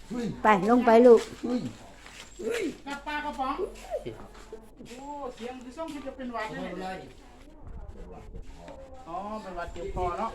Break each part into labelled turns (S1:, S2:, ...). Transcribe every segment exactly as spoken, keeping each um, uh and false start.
S1: ไปลงไปลูก
S2: กับปลากระป๋องโอ้เสียงที่ส่งที่จะเป็นหวัดเลยอ๋อเป็นหวัดเจ็บคอเนาะ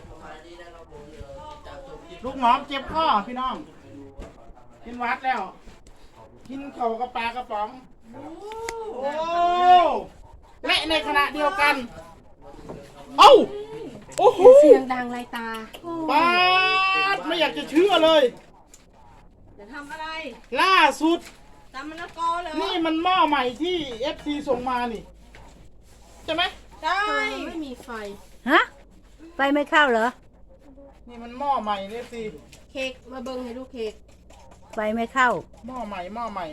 S2: ลูกหมอมเจ็บคอพี่น้องกินหวัดแล้วกินเข่ากับปลากระป๋องโอ้และในขณะเดียวกันเอ้าโอ้โห
S3: เสียงดังไรตา
S2: ปาดไม่อยากจะเชื่อเลย
S3: จะทำอะไร
S2: ล่าสุด
S3: ตำมะละกอเลย
S2: นี่มันหม้อใหม่ที่ เอฟ ซี ส่งมานี่ใช่ไหม
S3: ใช่ไม่มีไฟ
S1: ฮะไฟไม่เข้าเหรอ
S2: นี่มันหม้อใหม่ เอฟ ซี
S3: เค้กมาเบิ้งให้ลูกเค้ก
S1: ไฟไม่เข้า
S2: หม้อใหม่หม้อใหม่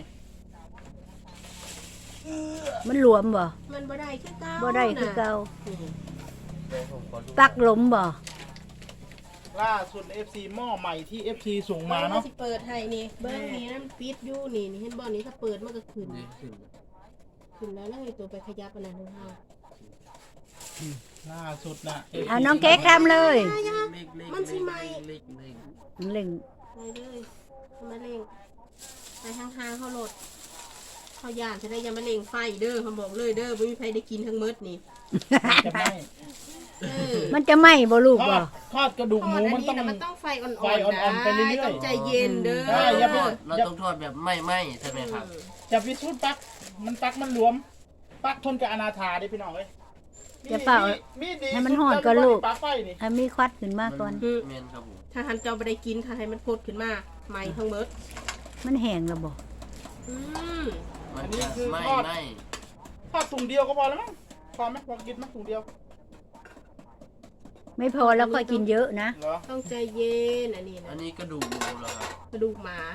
S1: มันหลวมบ่
S3: มันบ่ได้คือเก่า
S1: บ่ได้คือเก่าปักหลมบ่
S2: ล่าสุด เอฟ ซี หม้อใหม่ที่ เอฟ ซี ส่งมาเนาะ
S3: สิเปิดให้นี่เบิ้งนี่นั่นปิดอยู่นี่นี่เห็นบ่นี้ถ้าเปิดมันก็ขึ้นขึ้นแล้วแล้วให้ตัวไปขยับอันนั้นของเฮา
S2: ล่าสุดนะ
S1: อ่ะน้องเค้กทำเลย
S3: มันสิไหม
S1: เล่ง
S3: ไปเลยมาเล่งไปทางทางเขาโหลดเขาย่านจะได้ยังมาเล่งไฟเด้อเขาบอกเลยเด้อไม่มีใครได้กินทั้งมื้อนี่
S2: จะไหม
S1: มันจะไหมบ่ลูกบ่
S2: ทอดกระดูกหมูมันต้อง
S3: มันต้องไฟอ่อนๆ
S2: ไฟอ่อนๆไปเรื่อยๆ
S3: ต้องใจเย็นเด้อ
S4: เราต้องทอดแบบไม่ไหมใช่ไหมครับ
S2: จะพิสูจน์ปักมันปักมันหลวมปักทนกับอนาถาดิพี่น้องเอ้ย
S1: จะเป่าให้มันห่อนก่อนลูกให้มีควัดขึ้นมาก่อน
S4: เมนครับผม
S3: ถ้าทันเจ้าไปได้กินถ้าให้มันพดขึ้นมาไหมทั้งมื้อ
S1: มันแห้งแล้วบ่
S3: อืม
S4: อันนี้คือไม่ไหม
S2: ทอดถุงเดียวก็พอแล้วมั้งพอไหมพอกินมั้ยถุงเดียว
S1: ไม่พอแล้วก็กินเยอะนะ
S3: ต้องใจเย็นอันนี้นะ
S4: อันนี้กระดูกหมูเหรอครับ
S3: กระดูกหมา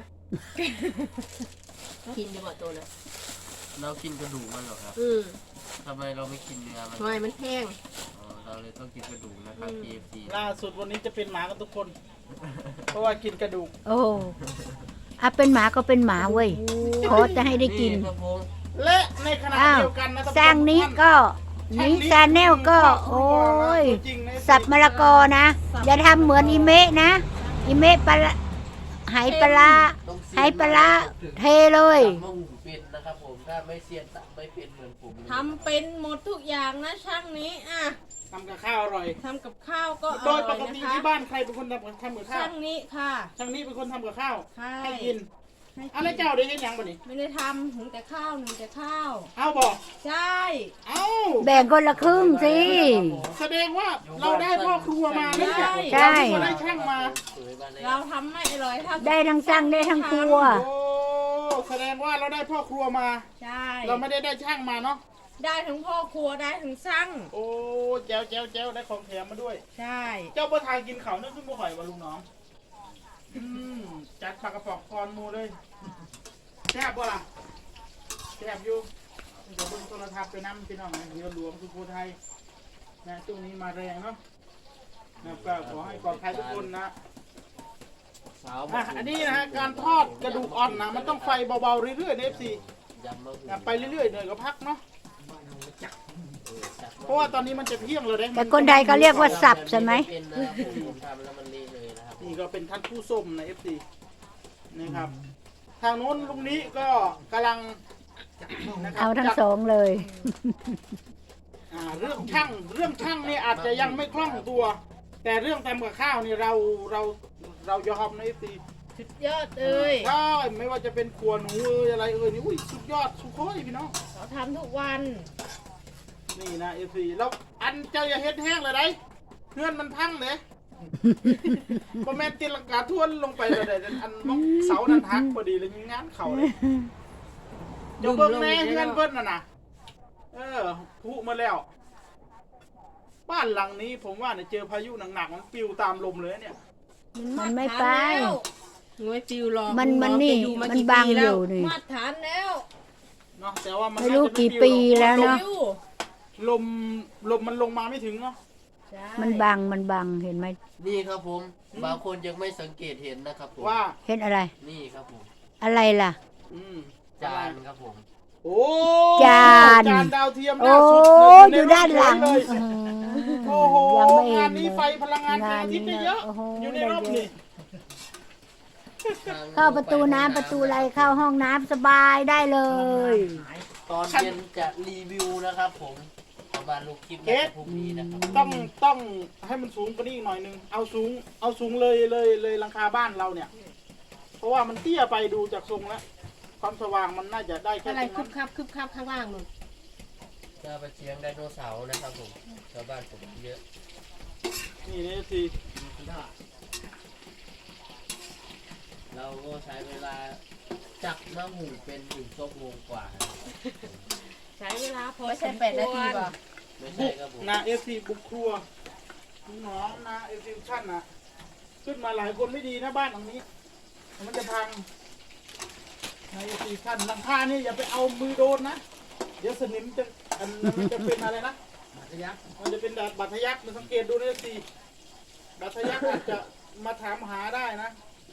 S3: กินดีกว่าตัวเลย
S4: เรากินกระดูกมันเหรอครับ
S3: อืม
S4: ทำไมเราไม่กินเนื้อมัน
S3: ทำไมมันแห้ง
S4: อ๋อเราเลยต้องกินกระดูกนะครับ เค เอฟ ซี
S2: ล่าสุดวันนี้จะเป็นหมากันทุกคนเพราะว่ากินกระดูก
S1: โอ้อ่ะเป็นหมาก็เป็นหมาเว้ยขอจะให้ได้กิน
S2: และในขณะเดียวกันนะ
S1: สร้างนี้ก็นี้ซาแนลก็โอ้ยสับมะละกอนะอย่าทำเหมือนอีเมะนะอีเมะปลาไหปลาไหปลาเทเลย
S4: มงเป็นนะครับผมถ้าไม่เซียนไม่เป็นเหมือนผม
S3: ทำเป็นหมดทุกอย่างนะช่างนี้อ่ะ
S2: ทำกับข้าวอร่อย
S3: ทำกับข้าวก็
S2: โดยปกติที่บ้านใครเป็นคนทำกับข้าว
S3: ช่างนี้ค่ะ
S2: ช่างนี้เป็นคนทำกับข้าว
S3: ให้
S2: กินอะไรเจ้าได้ยังยังบ่นี่
S3: ไม่ได้ทำหุงแต่ข้าวหุงแต่ข้าว
S2: เอาบอก
S3: ใช่
S2: เอา
S1: แบ่งคนละครึ่งสิ
S2: แสดงว่าเราได้พ่อครัวมา
S1: ใช่
S2: ใช่ได้ช่างมา
S3: เราทำไม่อร่อยเท่า
S1: ได้ทั้งช่างได้ทั้งครัว
S2: โอ้แสดงว่าเราได้พ่อครัวมา
S3: ใช่
S2: เราไม่ได้ได้ช่างมาเนาะ
S3: ได้ทั้งพ่อครัวได้ทั้งช่าง
S2: โอ้แจ้วแจ้วแจ้วได้ของแถมมาด้วย
S3: ใช่
S2: เจ้าประธานกินเขาเนี่ยขึ้นบ่ข่อยวะลุงน้องอืมจัดปลากระป๋องคอนมูเลยแซ่บบ่ล่ะแซ่บอยู่เดี๋ยวเบิ่งโทรทัศน์ไปน้ำพี่น้องนะเรือหลวงสุโขทัยนะช่วงนี้มาแรงเนาะนะก็ขอให้ปลอดภัยทุกคนนะอ่ะอันนี้นะฮะการทอดกระดูกอ่อนนะมันต้องไฟเบาๆเรื่อยๆเอฟซีไปเรื่อยๆเหนื่อยก็พักเนาะเพราะว่าตอนนี้มันจะเที่ยงเลย
S1: แต่คนใดก็เรียกว่าสับใช่ไหม
S2: นี่ก็เป็นท่านผู้ส้มในเอฟซีนะครับทางโน้นลุงนี้ก็กำลัง
S1: เอาทั้งสองเลย
S2: เรื่องช่างเรื่องช่างนี่อาจจะยังไม่คล่องตัว แต่เรื่องทำกับข้าวนี่เราเราเรายอมนะเอฟซี
S3: สุดยอดเลย
S2: ใช่ไม่ว่าจะเป็นขวหนูเอ้ยอะไรเอ้ยนี่อุ้ยสุดยอดสุดโคตรพี่น้อง
S3: เราทำทุกวัน
S2: นี่นะเอฟซีแล้วอันเจ้าอย่าเฮ็ดแห้งเลยได้เพื่อนมันพังเลยพอแม่ตีลังกาทวนลงไปเลยอันมองเสานั้นหักพอดีเลยงานเข่าเลยจะเบิ่งแน่เพื่อนเพิ่นน่ะนะเออพุมาแล้วบ้านหลังนี้ผมว่าเนี่ยเจอพายุหนักๆมันปิวตามลมเลยเนี่ย
S1: มันไม่ไป
S3: ไม่ปิวหรอก
S1: มันมันนี่มันบางอยู่นี่
S3: มาตรฐานแล้ว
S2: เนาะแต่ว่ามัน
S1: ไม่รู้กี่ปีแล้วเนาะ
S2: ลมลมมันลงมาไม่ถึงเนาะ
S1: มันบังมันบังเห็นไหม
S4: นี่ครับผมบางคนยังไม่สังเกตเห็นนะครับผม
S2: ว่า
S1: เห็นอะไร
S4: นี่ครับผม
S1: อะไรล่ะ
S4: จานครับผม
S2: โอ้
S1: จาน
S2: จานดาวเทียม
S1: โอ้อยู่ด้านหลัง
S2: โอ้โหงานนี้ไฟพลังงานแสงอาทิตย์ได้เยอะอยู่ในรอบนี้
S1: เข้าประตูน้ำประตูอะไรเข้าห้องน้ำสบายได้เลย
S4: ตอนเย็นจะรีวิวนะครับผมประมาณลูกคลิปในพรุ่งนี้นะครับ
S2: ต้องต้องให้มันสูงกว่านี้อีกหน่อยนึงเอาสูงเอาสูงเลยเลยเลยหลังคาบ้านเราเนี่ย เพราะว่ามันเตี้ยไปดูจากทรงแล้วความสว่างมันน่าจะได้แค่
S3: อะไร
S2: ตรง
S3: คึ
S2: นั้
S3: บ
S2: น
S3: คับคึบคับข้างล่างนู่น
S4: จะไปเชียงไดโนเสาร์นะครับผมชาวบ้านผมเยอะ
S2: นี่นี่สิ
S4: เราก็ใช้เวลาจับมะหูเป็นหนึ่งชั่วโมงกว่านะครับ
S3: ใช้เวลาพอไม่ใช่แปดนาทีป่ะ
S4: ไม่ใช่ครับผม
S2: นาเอฟซีบุกครัวน้องนาเอฟซีชั่นนะขึ้นมาหลายคนไม่ดีนะบ้านหลังนี้ มันจะพังนาเอฟซีชั่นหลังคานี่อย่าไปเอามือโดนนะเดี๋ยวสนิมจะอันมันจะเป็นอะไรนะบัตรยักษ์มันจะเป็นบัตรยักษ์มันสังเกตดูนะเอฟซีบัตรยักษ์อาจจะมาถามหาได้นะ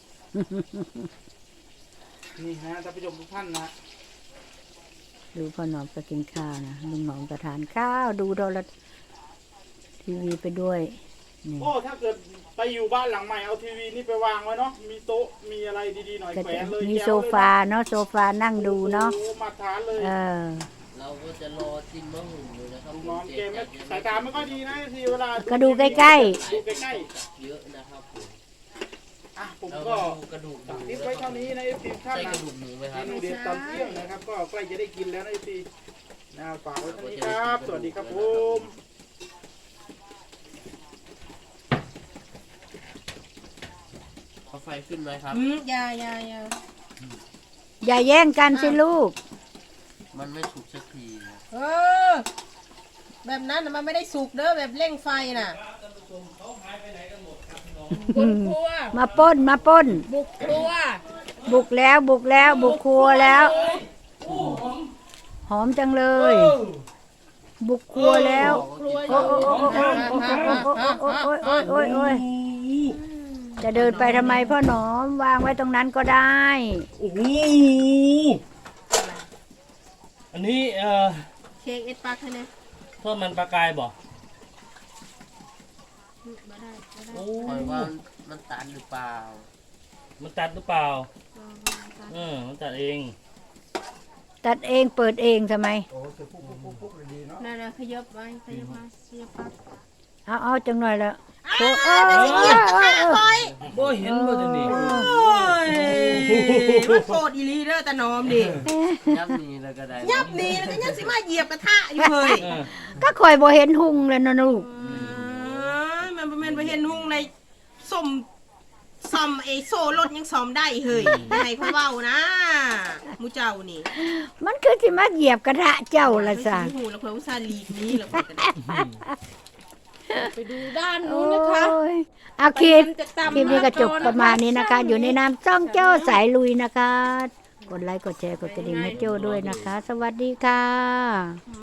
S2: นี่ฮะท่านผู้ชมทุกท่านนะ
S1: ดูพ่อหนอมก็กินข้าวนะลุงหนอมก็ทานข้าวดูโทรทีวีไปด้วยนี่
S2: โอ้ถ้าเกิดไปอยู่บ้านหลังใหม่เอาทีวีนี่ไปวางไว้เนาะมีโต๊ะมีอะไรดีๆหน่อย
S1: ก็
S2: แขว
S1: จะ
S2: นเลย
S1: มี
S2: แจ๋ว
S1: โซฟาเนาะโซฟานั่งดูเนาะ
S2: โอ้มาทานเลย
S1: เออ
S4: เราก็จะรอจิ้มมะหูอยู่นะครับ
S2: น้องเกมไม่สายตาไม่ค่อยดีนะทีเวลา
S1: ก็ดูใกล้
S2: ดูใกล้
S4: เยอะนะครับผม
S2: ๆอ่ะผม
S4: เรา
S2: ก็
S4: ก็ดูกระดูกหมู
S2: ติด
S4: นะ
S2: ไว้
S4: ครั
S2: เท่า
S4: บ
S2: นี้นะเอฟซีท่าน
S4: ใช่ก
S2: นะ
S4: ระดูกหมูไหมค
S2: เม
S4: รับ
S2: นูเด็ดตอนเที่ยงนะครับ ก็ใกล้จะได้กินแล้วนะเอฟซีนะฝากไว้เท่านี้ครับ สวัสดีครับผม
S4: เอาไฟขึ้นไหมครับ
S3: อืมอยาอยาอยา
S1: ๆ อย่าแย่งกันสิลูก
S4: มันไม่สุกสักทีนะ
S3: เออ แบบนั้นน่ะมันไม่ได้สุกเด้อแบบเร่งไฟน่ะบุกครัว
S1: มาปล้นมาปล้น
S3: บุกครัว
S1: บุกแล้วบุกแล้วบุกครัวแล้ว หอมจังเลย บุกครัวแล้ว
S3: ครัวอ
S1: โอ้
S3: ยู่
S1: โอ้โอ้โอ้โอ้โอ้โอ้โอ้โอ้ยจะเดินไปทำไมพ่อหนอมวางไว้ตรงนั้นก็ได้
S5: โอ้โหอันนี้เอ่อ
S3: เค้กเอ็ดปักให้เนี่ย
S5: ทอดมันปลากายบ่
S3: มาได้มาได้
S5: โอ้
S4: คอยว่ามันตันหรือเปล่า
S5: มันตัดหรือเปล่าเออมันตัดเอง
S1: ตัดเองเปิดเองทำไม
S3: นั่นน่ะขยับไว้ขยับมาขยับปัก
S1: เอาเอาจังหน่อยละโอ้
S3: อ่า
S1: เออ
S3: แต่สิเกียบกระทะคอย
S5: บ่เห็นบ่จังนี่
S3: โอ้ยมันโกรธอีหลีเด้อตาหนอมดิ
S4: ยับนี้แล้วก็ได้
S3: ยับหนี่แล้วก็ยังสิมาเหยียบกระทะอยู่เฮ้ย
S5: เออ
S1: ก็คอยบ่เห็นหุงเลยนะลูก
S3: เอ้ยมันบ่แม่นบ่เห็นหุ่งในสมซ่อมไอ้โซ่รถยังซ่อมได้เฮ้ยอย่าให้เขาเว้านะหมูเจ้านี่
S1: มันคือสิมาเหยียบกระทะเจ้าละซะ
S3: ไม่หูแล้วเพิ่นอุตส่าห์หลีกหนี้แล้วเพิ่นก็ได้ไปดูด้าน
S1: โอ้
S3: นู้นนะคะ
S1: ยเอาคลิป
S3: ไปกินจะตำ
S1: คลิปนี้ก็จบ
S3: มะละกอนะคะ
S1: ประมาณนี้นะคะ อยู่ในน้ำจ้องเจ้าสายลุยนะคะ กดไลค์กดแชร์กดกระดิ่งให้โจ้ด้วยนะคะ สวัสดีค่ะ